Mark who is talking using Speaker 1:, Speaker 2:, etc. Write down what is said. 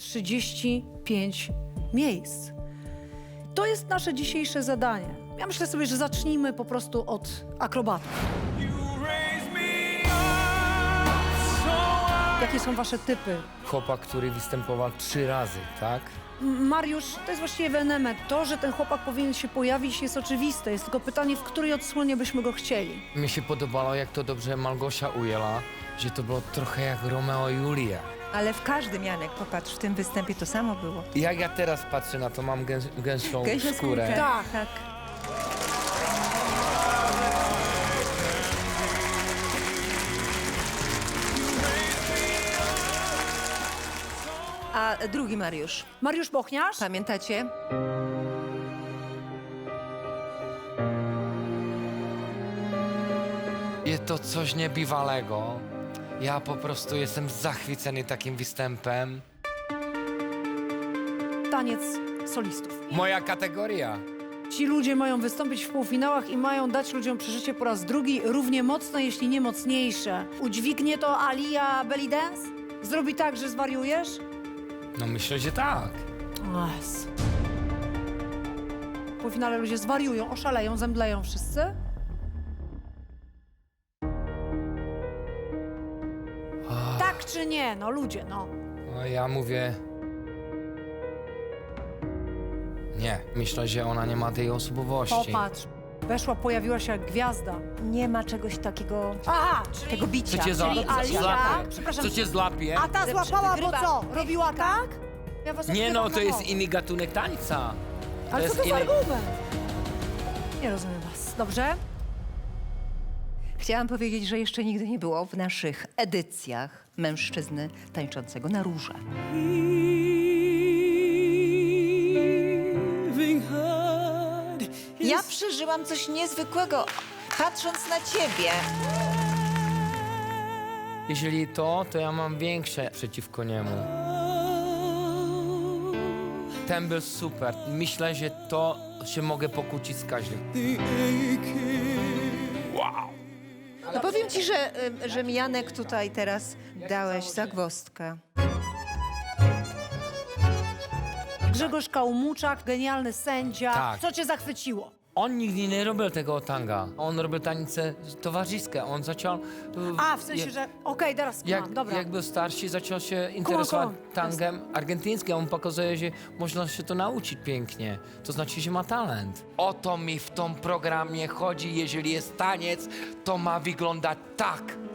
Speaker 1: 35 miejsc. To jest nasze dzisiejsze zadanie. Ja myślę sobie, że zacznijmy po prostu od akrobatów. Jakie są wasze typy?
Speaker 2: Chłopak, który występował 3 razy, tak?
Speaker 1: Mariusz, to jest właściwie ewenement. To, że ten chłopak powinien się pojawić, jest oczywiste. Jest tylko pytanie, w której odsłonie byśmy go chcieli.
Speaker 2: Mi się podobało, jak to dobrze Malgosia ujęła, że to było trochę jak Romeo i Julia.
Speaker 3: Ale w każdym, Janek, popatrz, w tym występie to samo było.
Speaker 2: Jak ja teraz patrzę na to, mam gęsią
Speaker 3: Gęsią
Speaker 2: skórę.
Speaker 3: skórkę.
Speaker 1: Tak.
Speaker 3: Tak. A drugi Mariusz,
Speaker 1: Mariusz Bochniarz?
Speaker 3: pamiętacie?
Speaker 2: Jest to coś niebywalego. Ja po prostu jestem zachwycony takim występem.
Speaker 1: Taniec solistów.
Speaker 2: Moja kategoria.
Speaker 1: Ci ludzie mają wystąpić w półfinałach i mają dać ludziom przeżycie po raz drugi równie mocne, jeśli nie mocniejsze. Udźwignie to Alia Belly Dance? Zrobi tak, że zwariujesz?
Speaker 2: No myślę, że tak.
Speaker 1: Yes. W półfinale ludzie zwariują, oszaleją, zemdleją wszyscy? Tak czy nie? No ludzie, no.
Speaker 2: No ja mówię... Nie, myślę, że ona nie ma tej osobowości.
Speaker 1: Popatrz, weszła, pojawiła się jak gwiazda.
Speaker 3: Nie ma czegoś takiego,
Speaker 1: Aha, czyli...
Speaker 3: tego bicia.
Speaker 2: Co cię
Speaker 1: Czyli Alia,
Speaker 2: złapie?
Speaker 1: przepraszam,
Speaker 2: Co cię złapie?
Speaker 1: a ta złapała, bo
Speaker 3: wygrywa.
Speaker 1: co? Robiła tak? Ja was
Speaker 2: Nie
Speaker 1: odkrywam
Speaker 2: no,
Speaker 1: na
Speaker 2: to jest
Speaker 1: nowo.
Speaker 2: inny gatunek tańca.
Speaker 1: Ale co to za
Speaker 2: inny...
Speaker 1: argument? Nie rozumiem was. Dobrze?
Speaker 3: Chciałam powiedzieć, że jeszcze nigdy nie było w naszych edycjach mężczyzny tańczącego na róże.
Speaker 4: Ja przeżyłam coś niezwykłego, patrząc na ciebie.
Speaker 2: Jeżeli to ja mam większe przeciwko niemu. Ten był super. Myślę, że to się mogę pokłócić z każdym. Wow!
Speaker 3: No powiem ci, że mi, Janek, tutaj teraz dałeś zagwozdkę.
Speaker 1: Grzegorz Kałmuczak, genialny sędzia.
Speaker 2: Tak.
Speaker 1: Co cię zachwyciło?
Speaker 2: On nigdy nie robił tego tanga. On robił tańce towarzyskie. On zaczął...
Speaker 1: A, w sensie, że... Okej, teraz mam, dobra.
Speaker 2: Jak był starszy, zaczął się interesować tangiem argentyńskim. On pokazuje, że można się to nauczyć pięknie. To znaczy, że ma talent. O to mi w tym programie chodzi. Jeżeli jest taniec, to ma wyglądać tak.